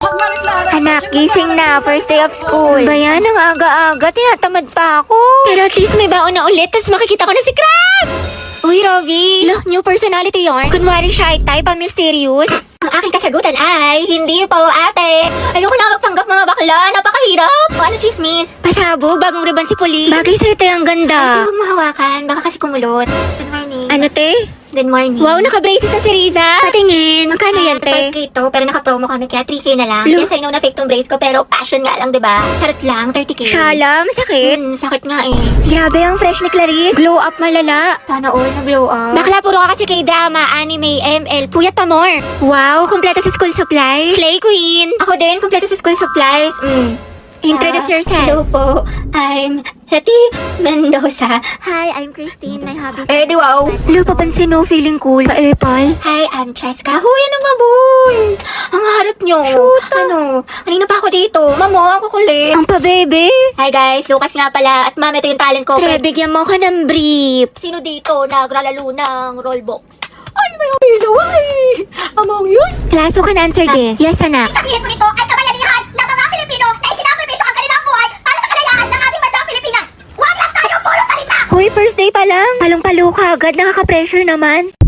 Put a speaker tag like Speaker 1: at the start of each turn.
Speaker 1: Anak, gising na. First day of school. Bayan, ang aga-aga. Tinatamad pa ako. Pero at least may baon na ulit. Tapos makikita ko na si Crab! Uy, Rovi. Look, new personality yarn. Kunwari shy type, mysterious. Ang aking kasagutan ay, hindi po ate. Ayoko na magpanggap mga bakla. Napakahirap. O ano, chismis? Pasabog, bagong ribbon si Pauline. Bagay sa'yo tayo ang ganda. Huwag mahawakan. Baka kasi kumulot. Good morning. Ano, te? Good morning. Wow, naka-braces na si Riza. Patingin. Magkano yan, te? 5K to, pero naka-promo kami kaya 3K na lang. Yes, I know na fake tong brace ko, pero passion nga lang, diba? Charot lang, 30K. Shala, masakit? Sakit nga eh. Grabe ang fresh ni Clarice. Glow up malala. Sana all na-glow up. Bakla, puro ka kasi kay drama, anime, ML, puyat pa more. Wow, kumpleto sa school supplies. Slay queen. Ako din, kumpleto sa school supplies. Introduce yourself. Hello po, I'm Hetty Mendoza. Hi, I'm Christine. My hobby is... di wow. Hello, papansin no, feeling cool. Pa-epal. Hi, I'm Cheska. Huy, ano nga, boys? Ang harot nyo. Shoot. Ano? Kanina pa ako dito. Mamo, ako kulit. Ang pa-bebe. Hi guys, Lucas nga pala. At ma'am, ito yung talent ko. Pre, bigyan mo ka ng brief. Sino dito nagralalo ng rollbox? Ay, may apilo. Ay, among yun. Klaso can answer this. Yes, anak.
Speaker 2: Sabihin mo nito ay kabayanihan ng mga Pilipino na isinacrifice ang kanilang buhay para sa kalayaan ng ating bansang Pilipinas. Huwag lang tayo puro salita!
Speaker 1: Hoy, first day pa lang. Palong-palo ka agad. Nakaka-pressure naman.